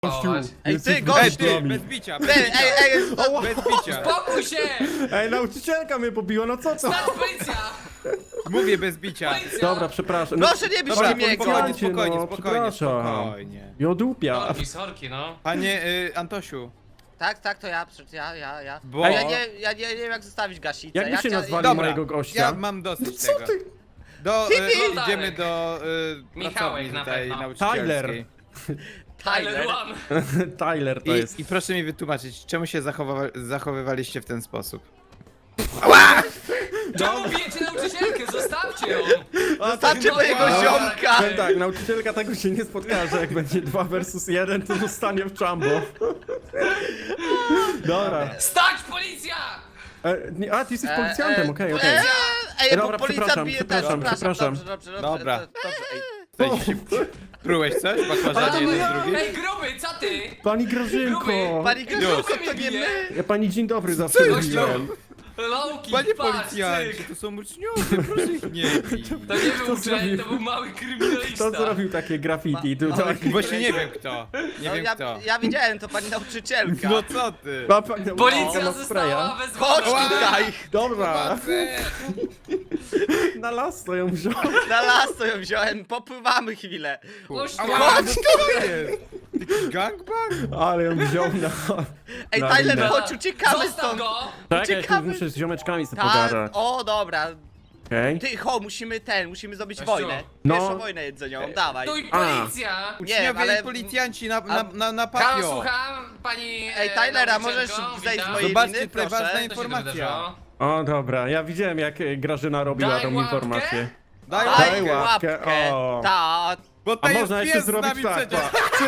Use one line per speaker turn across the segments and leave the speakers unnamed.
Gościu,
Ej,
jesteś
ty, gościu,
bezdomny.
Bez bicia,
Ej,
bez bicia.
Spokój się!
Ej, nauczycielka mnie pobiła, no co to?
Stać policja!
Mówię bez bicia.
Policja!
Dobra, przepraszam. No,
proszę nie bić
Dobra,
mnie,
spokojnie,
policjancie,
spokojnie,
no,
spokojnie,
przepraszam.
spokojnie.
Jodupia.
Sorki, no.
Panie Antosiu,
Tak, to ja, przecież ja.
bo...
Ja nie wiem jak zostawić gasicę.
Jak by się nazwali
Dobra,
mojego gościa?
ja mam dosyć
Co
tego.
ty?
Idziemy do
Michałek
pracowni
na
tutaj
pewno.
nauczycielskiej.
Tyler One.
Tyler to jest.
I proszę mi wytłumaczyć, czemu się zachowywaliście w ten sposób?
Czemu bijecie nauczycielkę? Zostawcie ją!
Zostawcie mojego
Dobra.
ziomka!
Powiem tak, nauczycielka tego się nie spotka, że jak będzie 2 versus 1, to zostanie w czambo. Dobra.
Stać policja!
A, ty jesteś policjantem, okej.
Ej,
Dobra,
bo policjant
przepraszam,
bije
przepraszam,
też,
przepraszam.
Dobrze,
Dobra.
Ej.
Prułeś coś? Bakłażanie jeden z drugim?
Ej, gruby, co ty?
Pani Grażynko!
Gruby.
Pani Grzegorz,
Gruby
to
mnie
nie
bije.
my!
Ja pani dzień dobry zawsze mówiłem.
Lowki,
Panie
patrz,
policjancie,
cyk.
to są uczniowie, proszę ich nie bić.
To nie był
zrobił?
uczeń, to był mały kryminalista.
Kto zrobił takie graffiti tutaj?
Właśnie nie wiem kto. Nie
No,
wiem kto.
ja widziałem, to pani nauczycielka.
No co ty?
Ma pani nauczycielka
Policja
ma
została
spraya?
Chodź
wezwana.
tutaj!
Dobra, na las to ją wziął.
Na las to ją wziąłem, popływamy chwilę.
Chodź tu.
Ała, co to jest? Taki gangbang?
Ale ją wziął na...
Ej,
na
Tyler,
linę.
chodź, uciekamy
Zostaw
stąd!
go!
Tak, ja tu
uciekamy.
muszę z ziomeczkami sobie
Tak,
pogadać.
o dobra.
Okej?
Ty, musimy zrobić
Kościół.
wojnę.
No.
Pierwszą wojnę jedzeniową, dawaj.
Tu i policja!
Uczniowie
ale-
i policjanci na
Halo,
patio.
słucham, pani
Ej, Tylera,
nauczycielko,
możesz zejść z
witam.
mojej
Zobaczcie,
liny,
tutaj ważna
proszę?
Co się tu
informacja.
wydarzyło?
O, dobra, ja widziałem jak Grażyna robiła
Daj
tą
łapkę.
informację.
Daj
Daj
łapkę.
łapkę, o.
Tak.
Bo
A
to jest
można jeszcze
pies z
zrobić
nami
tak,
przecież.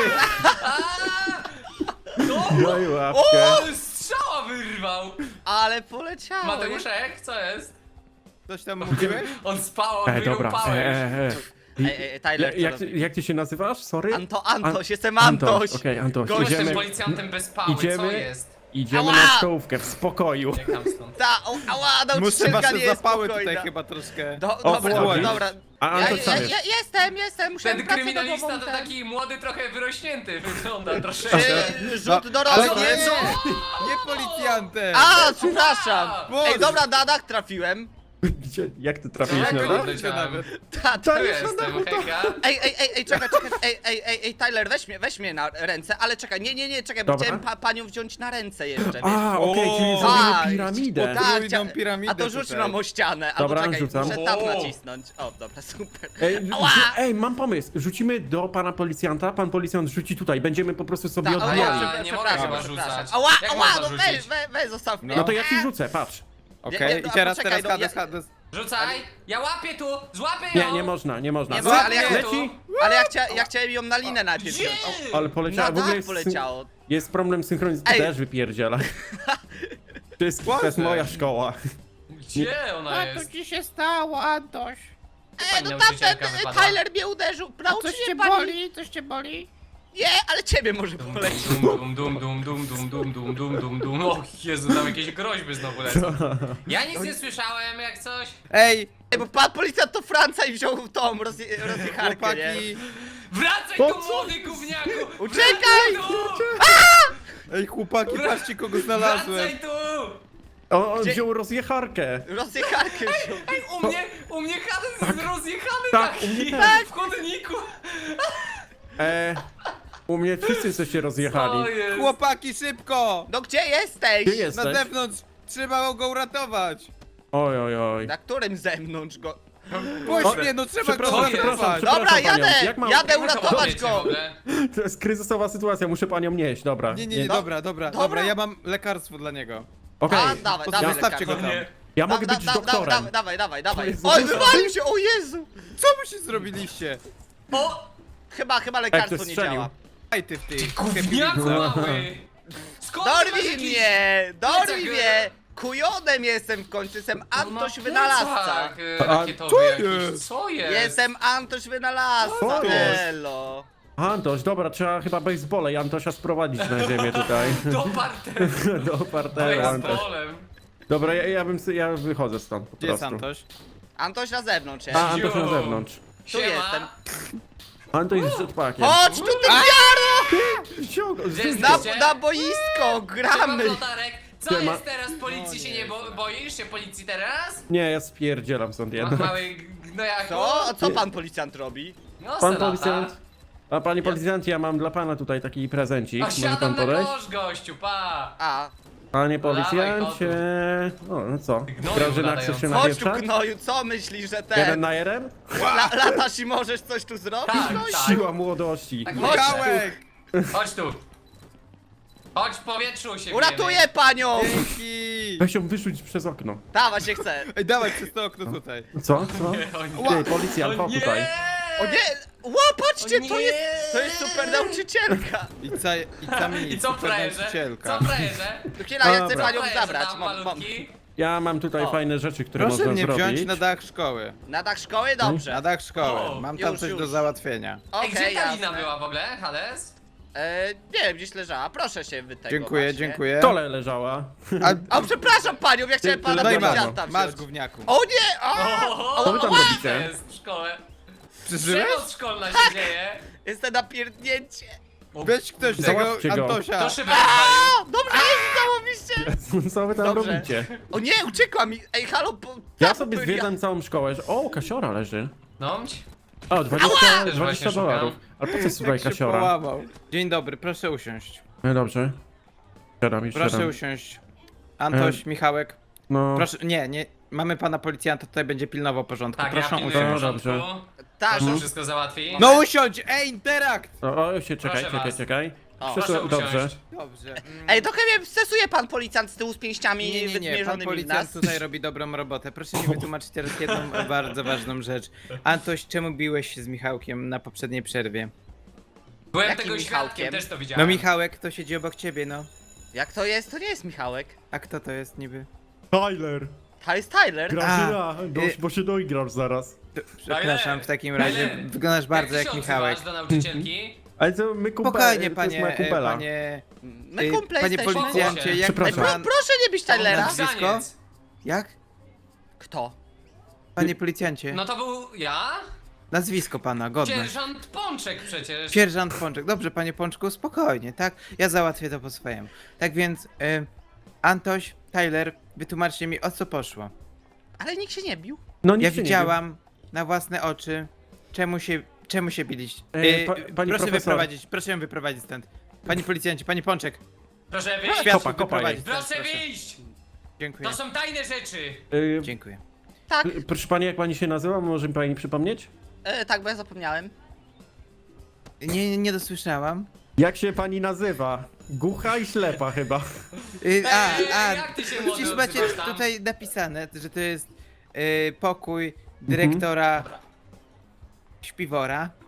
Daj łapkę.
O, strzała wyrwał!
Ale poleciało.
Mateuszek, co jest?
Coś tam mówiłeś?
On spał, on
Ej,
wyjął
dobra,
pałę.
Ej, Tyler,
Jak ty się nazywasz? Sorry?
Antoś, jestem Antoś.
Okej, Antoś,
Gość
Jestem
idziemy,
policjantem bez pały, co
idziemy-
jest?
idziemy
Ała!
na stołówkę w spokoju.
Uciekam stąd.
Ała,
Muszę
nauczycielka
wasze
nie jest
zapały
spokojna.
tutaj chyba troszkę.
Dobra,
chłodzi.
dobra.
A Antoś sam jest.
Jestem, muszę
Ten
pracę
kryminalista
domową,
to
ten.
taki młody, trochę wyrośnięty wygląda troszeczkę.
Rzut do
Ale
rogu.
nie, nie policjantem.
A, przepraszam.
Boże.
Ej, dobra, na dach trafiłem.
Gdzie, jak ty trafiłeś
Jak
na
go
dach?
odleciałem?
Ta.
Tu jestem, hejka.
Ej, czekaj, ej, Tyler, weź mnie na ręce, ale czekaj, nie, czekaj, bo
Dobra.
chciałem panią wziąć na ręce jeszcze, wiesz?
A, okej, czyli
O,
zrobimy
tak,
piramidę.
Tak,
Podwójną piramidę
a to rzuć
tutaj.
nam o ścianę, albo
Dobra,
czekaj,
rzucam.
muszę tam
O.
nacisnąć. O, dobra, super.
Ej, ej, mam pomysł. Rzucimy do pana policjanta, pan policjant rzuci tutaj. Będziemy po prostu sobie
Ta, o,
odbijali.
ja nie mogę chyba rzucać.
Ała,
Jak
ała,
można
no
rzucić?
weź, zostaw mnie.
No to ja ci rzucę, patrz.
Okej,
Nie,
i teraz
poczekaj, no,
Hades.
Rzucaj! Ja łapię tu! Złapię ją!
Nie, nie można, nie można.
Nie,
Co?
bo, ale ja,
Leci?
ale ja chciałem ją na linę najpierw
Gdzie?
wziąć.
Ale
O,
poleciało.
na
W ogóle
dach
jest,
poleciało.
jest problem synchronizacji.
Ej.
Też wypierdziela. Wszystko, to jest moja szkoła.
Gdzie ona jest?
ci się stało, Antoś?
Pani
No
nauczycielka
tamten
wypadła.
Tyler mnie uderzył. Nauczy
Coś cię
mnie pani.
boli? Coś cię boli?
Nie, ale ciebie może polecić.
Dum. O Jezu, tam jakieś groźby znowu lecą. Ja nic nie słyszałem, jak coś.
Ej,
Ej, bo pan policjant to Franca i wziął tą rozjecharkę, nie?
chłopaki.
Wracaj
Po
tu,
co?
młody gówniaku!
Uciekaj!
Ej, chłopaki, patrzcie kogo znalazłem.
Wracaj tu!
On
Gdzie-
wziął rozjecharkę.
Rozjecharkę wziął.
Ej, u mnie Hades jest rozjechany
Tak,
taki
u mnie
w chodniku.
U mnie wszyscy jesteście
Co
rozjechali.
jest?
Chłopaki, szybko!
No gdzie jesteś?
Gdzie
Na
jesteś?
zewnątrz trzeba go uratować.
Oj, oj, oj.
Na którym zewnątrz go?
Puść mnie, no trzeba go
Przepraszam,
jest?
uratować.
przepraszam.
Dobra,
panią.
jadę!
Jak mam-
Jadę
jak
uratować
Wiecie w
go!
ogóle?
To jest kryzysowa sytuacja, muszę panią nieść, dobra.
Nie, dobra, ja mam lekarstwo dla niego.
Okej,
A, dawaj, dawaj,
Zostawcie go
lekarza.
tam.
ja mogę być doktorem.
Dawaj.
Jezu,
Oj,
Jezu.
wywalił się, o Jezu!
Co mu się zrobiliście?
O!
Chyba lekarstwo
ktoś
nie
strzelił.
działa.
Aj ty w tej.
Gówniaku mały! Skąd ty masz
Dorwij
jakiś-
mnie!
plecak,
Dorwij mnie! Kujonem jestem w końcu, jestem Antoś
No,
Wynalazca.
plecak,
A
rakietowy
co
jakiś.
jest?
Co jest?
Jestem Antoś Wynalazca,
Co jest?
elo.
Antoś, dobra, trzeba chyba basebole i Antosia sprowadzić na ziemię tutaj.
Do parteru.
Do parteru, Antoś.
Baseballem.
Dobra, ja wychodzę stąd po
Gdzie jest
prostu.
Antoś?
Antoś na zewnątrz jest.
A, Antoś na
Ziu.
zewnątrz.
Tu
Siema.
jestem.
Antoś z jetpackiem.
Chodź tu, ty wiaro!
Gdzie
Na,
jesteście?
na boisko, gramy!
Siema, Flotarek. Co
Siema.
jest teraz? Policji się nie boisz się policji teraz?
Nie, ja spierdzielam stąd
Ach,
jednak.
mały gnojaku.
Co? A co pan policjant robi?
No,
Pan
selata.
policjant. A panie policjant, ja mam dla pana tutaj taki prezencik.
A
Może
siadam
pan
na
podejść?
kosz, gościu, pa!
A,
Panie
Dawaj,
policjancie. No co?
Gnoju
Grażyna, chcesz się
latający.
chodź tu
napieprzać?
gnoju, co myślisz, że ten...
1 na 1?
Latasz i możesz coś tu zrobić?
Tak,
No
tak.
Siła młodości.
Tak,
Chodź
Michałek!
Chodź tu. Chodź w powietrzu się
Uratuję panią!
Dzięki!
Weź ją wyrzuć przez okno.
Dawa się chce.
Ej, dawaj przez to okno tutaj.
Co? Co?
bijemy. O nie.
Ty, policjant, chodź
nie!
tutaj.
O nie! Ła, patrzcie,
O nie!
to jest super nauczycielka!
I
I co
super
frajerze?
nauczycielka.
Co frajerze?
Chwila, ja chcę
Dobra.
panią
Co frajerze
zabrać.
tam,
Mam.
malutki?
Ja mam tutaj
O.
fajne rzeczy, które
Proszę
można
mnie
zrobić.
wziąć na dach szkoły.
Na dach szkoły?
Na
Dobrze.
dach szkoły.
O,
Mam tam
już,
coś
już.
do załatwienia.
Ej, gdzie
Okej,
ta lina
jasne.
była w ogóle, Hades?
Nie wiem, gdzieś leżała. Proszę się wy tego
Dziękuję,
właśnie.
dziękuję.
W stole leżała.
A przepraszam panią, ja chciałem pana
No i masz,
policjanta
masz
wziąć.
gówniaku.
O nie! O!
Co wy tam
Co
robicie?
jest w szkole?
Przeżyłeś?
Przemoc szkolna się dzieje.
Jestem na pierdnięcie.
Weź ktoś tego
Załatwcie go.
Antosia.
To szybę rozwalił.
O, dobrze, jest, załowiście.
Co wy tam
Dobrze.
robicie?
O nie, uciekła mi. Ej, halo,
Ja sobie zwiedzam całą szkołę. O, kasiora leży.
No,
O, 20
Też właśnie szukam.
dolarów. Ale po co słuchaj
Tak się
kasiora?
połamał. Dzień dobry, proszę usiąść.
No dobrze. Siadam i
Proszę
siadam.
usiąść. Antoś, Michałek.
No,
Proszę, nie. Mamy pana policjanta, tutaj będzie pilnował porządku.
tak, ja
Proszę
pilnuję
usiąść.
porządku.
Dobrze.
Tak,
Proszę wszystko załatwi.
No usiądź! Ej, interakt!
o, się czekaj,
Proszę was.
czekaj.
O,
Proszę
Dobrze.
usiąść.
Dobrze.
Ej, trochę mnie stresuje pan policjant z tyłu z pięściami
Nie, pan
wymierzonymi w
policjant
nas.
tutaj robi dobrą robotę. Proszę mi wytłumaczyć teraz jedną bardzo ważną rzecz. Antoś, czemu biłeś się z Michałkiem na poprzedniej przerwie?
Byłem
Jakim
tego
Michałkiem?
świadkiem, też to widziałem.
No Michałek, to siedzi obok ciebie, no.
Jak to jest? To nie jest Michałek.
A kto to jest niby?
Tyler!
To jest Tyler.
Grażyna,
y-
bo się doigrasz zaraz.
Przepraszam, w takim razie
Tyler,
wyglądasz bardzo
jak
jak
ty się
Michałek.
odzywasz do nauczycielki?
Ale co, my kumpele,
Spokojnie,
to jest moja
panie,
kumpela.
My kumple
panie
jesteśmy.
policjancie, jak
Przepraszam.
pan...
Proszę nie być Tylera.
Nazwisko?
Grzaniec.
Jak?
Kto?
Panie policjancie,
No to był ja?
nazwisko pana, godność.
Sierżant Pączek przecież.
Sierżant Pączek. Dobrze, panie Pączku, spokojnie, tak? Ja załatwię to po swojemu. Tak więc, Antoś, Tyler, wytłumaczcie mi, o co poszło.
Ale nikt się nie bił.
No nic
Ja
się nie
widziałam na własne oczy, czemu się biliście.
pani
Proszę ją wyprowadzić stąd. Panie policjancie, panie Pączek,
Proszę wyjść.
światło
kopa
wyprowadzić
jej.
stąd,
Proszę wyjść!
Dziękuję,
To są tajne rzeczy!
wiem.
dziękuję.
Tak,
Proszę pani, jak pani się nazywa? Może mi pani przypomnieć?
tak, bo ja zapomniałem.
Nie dosłyszałam.
Jak się pani nazywa? Głucha i ślepa chyba.
Jak ty się, młody,
Przecież macie
odzywasz tam?
tutaj napisane, że to jest pokój dyrektora śpiwora.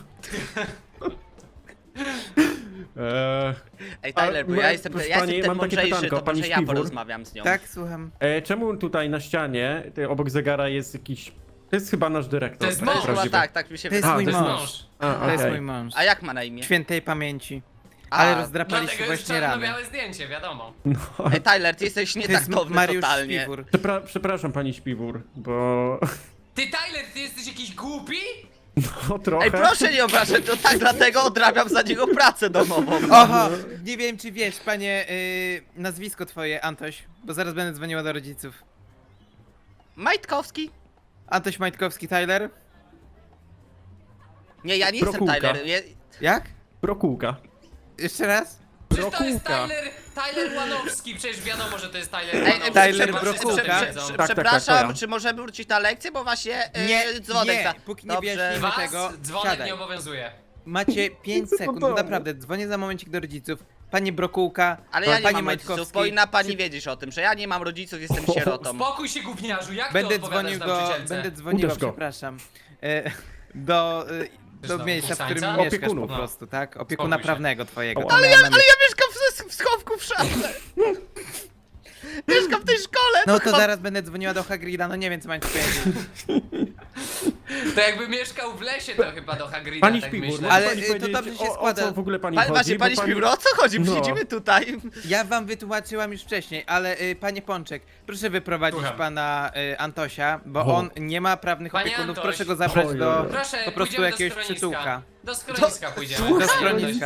Ej, Tyler, bo
A,
ja jestem,
proszę
ja
pani,
jestem ten
mam takie
mądrzejszy,
pytanko,
to
pani
może ja
Śpiwór?
porozmawiam z nią.
Tak, słucham.
Czemu tutaj na ścianie, obok zegara jest jakiś... To jest chyba nasz dyrektor.
To jest
tak
mąż.
Chyba
prawdziwy.
tak mi się
To jest
A,
wydaje.
mój
to jest
mąż.
mąż.
A,
To jest
okej.
mój mąż.
A jak ma na imię?
Świętej pamięci.
A,
Ale
Dlatego
rozdrapaliście
jest
właśnie rany.
czarno-białe zdjęcie, wiadomo.
Ej, Tyler, ty jesteś
To jest
nietaktowny
Mariusz
totalnie.
Śpiwór.
Przepraszam pani Śpiwór, bo...
Ty, Tyler, ty jesteś jakiś głupi?
No trochę.
Ej, proszę nie obrażać, to tak dlatego odrabiam za niego pracę domową.
Oho! Nie wiem, czy wiesz, panie, nazwisko twoje, Antoś, bo zaraz będę dzwoniła do rodziców.
Majtkowski?
Antoś Majtkowski, Tyler?
Nie, ja nie jestem
Prokółka.
Tyler.
Jak?
Prokółka.
Jeszcze raz?
Przecież to jest
Brokułka.
Tyler Łanowski, przecież wiadomo, że to jest Tyler
Ej,
Łanowski.
Tyler
Chyba wszyscy
Brokułka.
to wiedzą.
Tak,
Przepraszam,
to ja.
czy możemy wrócić na lekcję, bo właśnie dzwonek
nie,
za...
póki nie
Dobrze.
wyjaśnimy
Was
tego,
dzwonek
siadaj.
nie obowiązuje.
Macie 5 sekund,
domu.
naprawdę, dzwonię za momencik do rodziców. Panie Brokułka,
Ale ja nie
panie
mam
Majtkowski.
rodziców, powinna pani wiedzieć o tym, że ja nie mam rodziców, jestem sierotą.
Spokój się, gówniarzu, jak
Będę
ty odpowiadasz
dzwonił
nauczycielce?
będę dzwoniła,
Uderz go.
przepraszam. Do
Znowu
miejsca, w którym
kusańca?
mieszkasz po
Opiekunów.
prostu, tak? Opiekuna
Spokój się.
prawnego twojego.
Ale
to miałem na myśli.
Ja mieszkam w schowku w szafce. Mieszkam w tej szkole.
No to
chyba-
zaraz będę dzwoniła do Hagrida, no nie wiem co mam ci powiedzieć.
To jakby mieszkał w lesie, to chyba do Hagrida,
Pani
tak
Śpiwór,
myślę.
może
Ale,
pani
to
powiedzieć,
dobrze się
o
składa.
co w ogóle pani
Pani,
chodzi?
właśnie, pani
Bo
Śpiwór, o co chodzi?
No.
Siedzimy tutaj.
Ja wam wytłumaczyłam już wcześniej, ale panie Pączek, proszę wyprowadzić
Słucham.
pana Antosia, bo
O.
on nie ma prawnych
Panie
opiekunów,
Antoś.
proszę go zabrać
Oj,
do
oj, oj.
Proszę,
po prostu
pójdziemy
jakiegoś
do
przytułka.
Do schroniska pójdziemy.
Do
Panie
schroniska.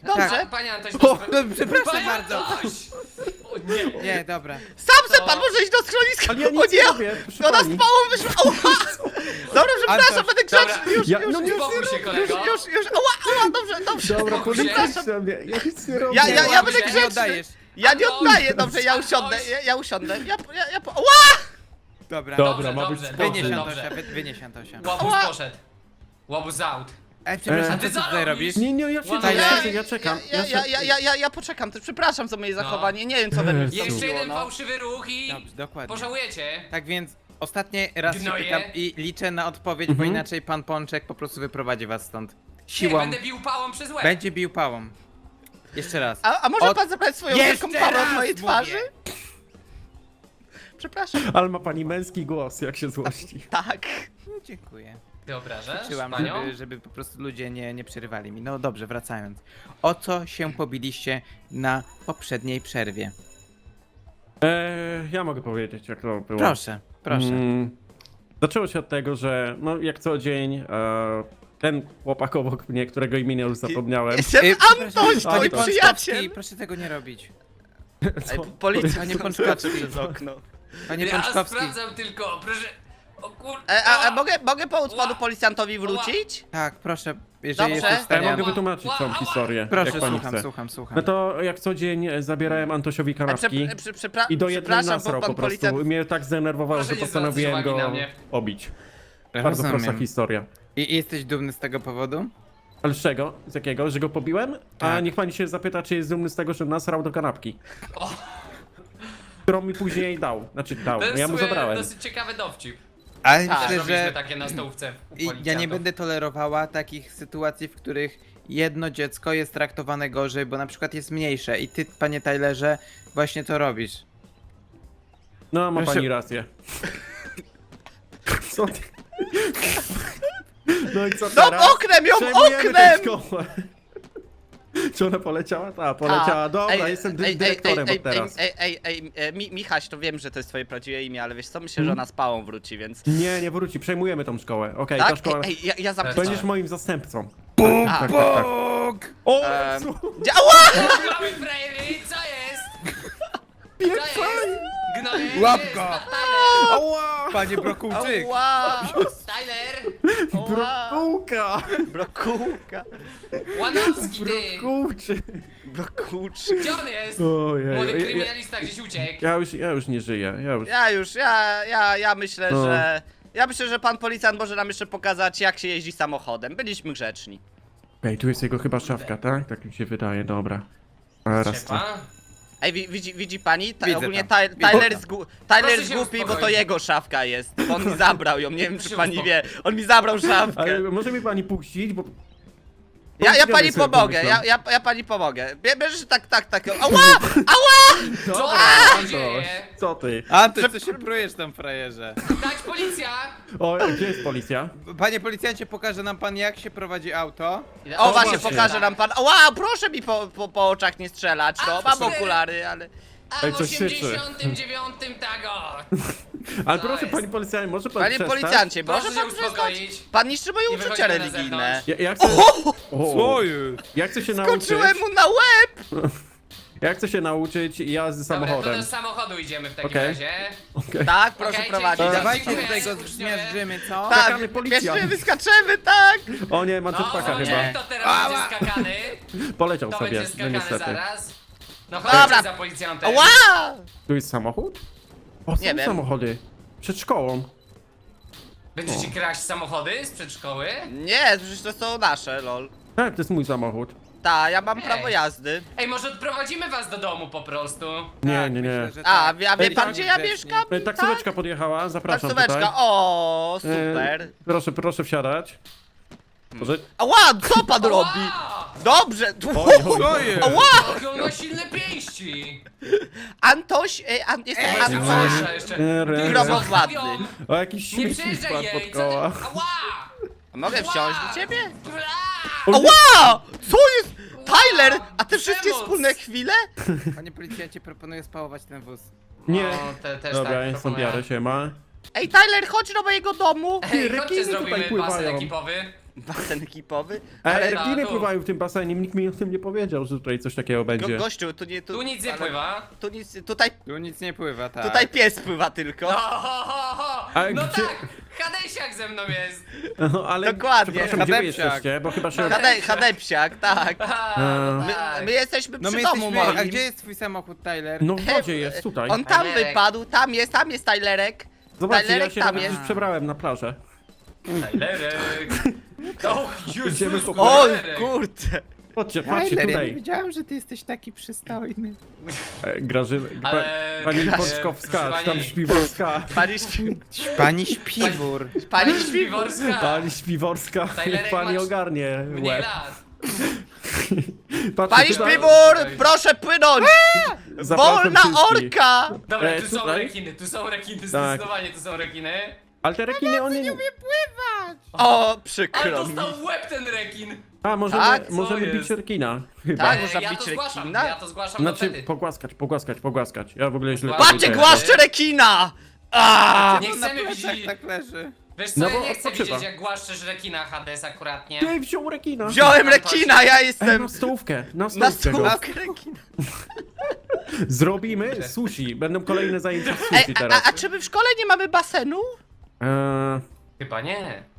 Dobrze.
Tak.
Panie Antoś,
No, przepraszam
Panie
bardzo.
Antoś! O nie.
Nie, dobra.
Sam se pan może iść do schroniska.
Ale ja
O
nic nie
nie,
robię, proszę
to nas
pani.
pałą wyszło. Ała! Dobra, przepraszam,
Antoś,
będę grzeczny. Już,
Ja-
już,
no nie
już,
uspokój się, kolego.
już. Ała, dobrze.
Dobra,
Spokój się.
policja mnie, ja nic nie robię.
Ja będę
Nie
grzeczny.
oddajesz.
Ja nie
Antoś,
oddaję, dobrze, ja
Antoś.
usiądę. Ja usiądę. Ała!
Dobra.
Dobra, ma być
dobrze,
spokój.
Wynieś
dobrze.
Antosia, wynieś Antosia.
Łobuz poszedł. Łobuz out.
Przepraszam,
ty
co
co
tutaj
robisz?
robisz?
Nie, ja
Tyler?
ja czekam.
Ja poczekam, też przepraszam za moje zachowanie, nie wiem co we mnie
Jezu.
Jeszcze
wstąpiło,
jeden
no.
fałszywy ruch i
Dobrze, dokładnie.
pożałujecie.
Tak więc ostatni raz się
Gnoje.
pytam i liczę na odpowiedź, bo inaczej pan Pączek po prostu wyprowadzi was stąd.
Nie,
Siłą.
będę bił pałą przez łeb.
Będzie bił pałą. Jeszcze raz.
A może
Od-
pan zabrać swoją
Jeszcze
wielką pałę
raz
od mojej
mówię.
twarzy? Przepraszam.
Ale ma pani męski głos, jak się złości.
Tak.
No, dziękuję.
Ty obrażasz
Czułam,
panią?
żeby po prostu ludzie nie przerywali mi. No dobrze, wracając. O co się pobiliście na poprzedniej przerwie?
Ja mogę powiedzieć, jak to było.
Proszę, proszę.
Zaczęło się od tego, że no jak co dzień ten chłopak obok mnie, którego imienia już zapomniałem.
Jestem
przepraszam,
Antoś,
panie
twój
Pączkowski,
przyjaciel.
proszę tego nie robić.
Ej, policja
Panie
nie
Pączkowski.
patrzy przez okno.
Panie
Ja
Pączkowski.
sprawdzam tylko, proszę. O kur...
A mogę pomóc panu policjantowi wrócić?
Tak, proszę, jeżeli
Dobrze.
jesteś w
Ja
stanie.
mogę wytłumaczyć całą historię,
Proszę,
jak pani chce.
słucham.
No to jak co dzień zabierałem Antosiowi kanapki i do jednej
przepraszam,
nasrał
bo
po
pan
prostu.
policjant...
Mnie tak zdenerwowało,
Proszę
że
nie zwracać
postanowiłem
uwagi
go
na mnie.
obić. Bardzo prosta
Rozumiem.
historia.
I jesteś dumny z tego powodu?
Ale z czego? Z jakiego? Że go pobiłem? A
Tak.
niech pani się zapyta, czy jest dumny z tego, że nasrał do kanapki.
O.
Którą mi później dał. Znaczy dał,
To jest
ja mu
w sumie
zabrałem.
dosyć ciekawy dowcip.
Ale
Tak.
Też
myślę,
robiliśmy
że
takie na stołówce u
ja nie
policjantów.
będę tolerowała takich sytuacji, w których jedno dziecko jest traktowane gorzej, bo na przykład jest mniejsze i ty, panie Tylerze, właśnie to robisz.
No, ma
Proszę-
pani rację. Co ty? No i co
No
teraz?
oknem ją,
Przejmujemy tę
oknem!
szkołę. Czy ona poleciała? Tak, poleciała. Dobra, jestem dyrektorem od teraz.
Michaś, to wiem, że to jest twoje prawdziwe imię, ale wiesz co, myślę, że ona z pałą wróci, więc...
Nie wróci, przejmujemy tą szkołę. Okej, ta
Tak?
szkoła...
Ja zapytam.
Będziesz moim zastępcą.
A,
Tak. O, co?
Ała!
Mamy frajery, co jest? Co jest? Gnoje,
Łapka!
Tyler!
Ała! Panie Brokułczyk!
Ała!
Tyler!
Ała!
Brokułka!
Brokułka!
Łanowski ty!
Kurczy.
Brokułczyk.
Gdzie on jest?
Ojej.
Młody kryminalista gdzieś uciekł.
Ja już nie żyję.
Ja myślę,
No.
że... Ja myślę, że pan policjant może nam jeszcze pokazać, jak się jeździ samochodem. Byliśmy grzeczni.
Okej, tu jest jego chyba szafka, tak? Tak mi się wydaje, dobra. A, raz to.
Siepa.
Ej, widzi pani?
Widzę
Ogólnie
tam.
Tyler
Widzę
jest, Tyler
Proszę
jest
się
głupi, bo to
uspokoić.
jego szafka jest. Bo on mi zabrał ją, nie wiem czy
Proszę
pani
uspoko-
wie. On mi zabrał szafkę.
Ale może mi pani puścić, bo...
Ja
Zgadnij
pani
sobie,
pomogę,
pomyślałem.
ja pani pomogę. Bierzesz tak. Ała!
Co
Dobra,
się
Antoś,
dzieje?
co ty?
A ty co się prujesz tam, frajerze?
Dać policja!
O, gdzie jest policja?
Panie policjancie, pokaże nam pan, jak się prowadzi auto.
O, właśnie,
właśnie.
pokaże nam pan. Ała, proszę mi po oczach nie strzelać, no.
A,
Mam
cztery.
okulary, ale...
A
Ej,
w
coś syczy.
89 tego!
Ale
To
proszę,
jest.
pani policjant, może pan
Panie
przestać?
policjancie,
Proszę
może
się
pan przestać?
uspokoić.
Pan niszczy moje
I
uczucia
wychodzimy na
religijne.
zewnątrz.
Ja chcę... O,
jest?
ja chcę się nauczyć...
Skoczyłem mu na łeb!
Ja chcę się nauczyć jazdy
Dobra, to
samochodem.
do samochodu idziemy w takim
Okej.
razie.
Okej.
Tak, proszę
Okej,
prowadzić.
dzięki.
Dawajcie
Dziękuję.
tutaj go
Uczciwie.
zmiażdżymy, co?
Tak,
Skakamy, policjant.
bierzemy, skaczemy, tak!
O nie, mam
No,
jetpacka
o
chyba.
nie, to teraz będzie skakany.
Poleciał
To
sobie,
będzie
no
skakany
niestety.
zaraz. No
Dobra.
chodźcie za policjantem.
Ała!
Tu jest samochód? O, są
Nie wiem.
samochody. Przed szkołą.
Będziecie kraść samochody z przedszkoły?
Nie, przecież to są nasze, lol.
Tak, to jest mój samochód.
Ta, ja mam
Ej.
prawo jazdy.
Ej, może odprowadzimy was do domu po prostu?
Nie,
Tak,
nie, nie.
myślę, że
A,
tak.
wie
Ej,
pan
tak,
gdzie ja
grzecznie.
mieszkam?
Taksóweczka podjechała, zapraszam
Taksóweczka,
tutaj.
o, super.
Proszę wsiadać. Może...
Ała, co pan robi?
Ała!
Dobrze.
Oj, oj,
Co
oj.
jest?
Ała!
Jakie on ma silne pięści!
Antoś, jestem
Ej,
Antoś.
Antosia jeszcze!
Re-
Grobowładny.
O, jakiś
Nie
śmieci
przejeżdżaj
spadł
jej!
pod
Co ty?
koła.
Ała!
Mogę wsiąść do ciebie?
Ała!
Ała! Co jest? Tyler, a te wszystkie
Przemoc.
wspólne chwile?
Panie policjancie, proponuję spałować ten wóz.
Nie.
No, też
Dobra,
tak
ja stąd
proponuję.
biorę, siema.
Ej, Tyler, chodź do mojego domu!
Ej,
rekiny
chodźcie,
tutaj
zrobimy
pływają.
basen ekipowy.
Basen ekipowy?
Ale
Ale
rekiny
tu.
pływają w tym basenie, nikt mi o tym nie powiedział, że tutaj coś takiego będzie.
Gościu, tu nie...
Tu nic nie
ale-
pływa.
Tu nic, tutaj,
Tu nic nie pływa, tak.
tutaj pies pływa tylko.
No, ho, ho, ho.
Ale
No
gdzie-
tak, Hadesiak ze mną jest.
No, ale
Dokładnie.
przepraszam, gdzie wy
Hadepsiak.
jesteście, bo chyba się...
Hadepsiak, tak.
Aha, no
My,
tak.
my jesteśmy
No
przy
my
domu
jesteśmy...
moim.
A gdzie jest twój samochód, Tyler?
No w wodzie jest, tutaj.
On tam
Tylerek.
wypadł, tam jest Tylerek.
Zobaczcie, ja
Tylerek
się
tam
nawet
jest.
już przebrałem na plażę.
Tylerek. O,
Idziemy
Jezus,
po-
Oj,
Tylerek.
kurde.
Chodźcie, patrzcie
Tyler, ja nie
tutaj.
wiedziałem, że ty jesteś taki przystojny.
Grażyna...
Ale-
Pani
Graż-
Pączkowska,
proszę
czy tam
pani-
Śpiworska.
Pani śpiwór.
Pani śpi...
Śpiworska.
Pani Śpiworska,
Tylerek
pani
masz
ogarnie
Mniej
łeb.
lat.
Patrzcie,
Pani
tutaj-
Śpiwór, proszę płynąć!
Zapraszam
Wolna
wszystkich.
orka!
Dobra,
E,
tu są
tutaj?
rekiny,
Tak.
zdecydowanie tu są rekiny.
Ale te rekiny, one...
Pływać!
O,
Ale
przykro mi.
dostał w łeb ten rekin.
A, możemy,
Tak, co
możemy bić
jest?
rekina. Chyba.
Tak, można
ja
bić
to zgłaszam,
rekina?
ja to zgłaszam
Znaczy,
do wtedy.
pogłaskać. Ja w ogóle źle
Patrzcie,
Patrzcie,
powiedziałem.
głaszcze rekina! Aaaa!
Nie
Na
chcemy
plecach
widzieć...
tak leży.
Wiesz co,
No
ja
bo
nie chcę
odpoczywa.
widzieć jak głaszczesz rekina Hades akuratnie.
Ty wziął rekina.
Wziąłem rekina, ja
Ej,
jestem
na stołówkę, na
na
stołówkę go.
stołówkę rekina.
Zrobimy sushi. Będą kolejne zajęcia z
Ej,
sushi teraz.
a czy my w szkole nie mamy basenu?
Eee,
Chyba nie.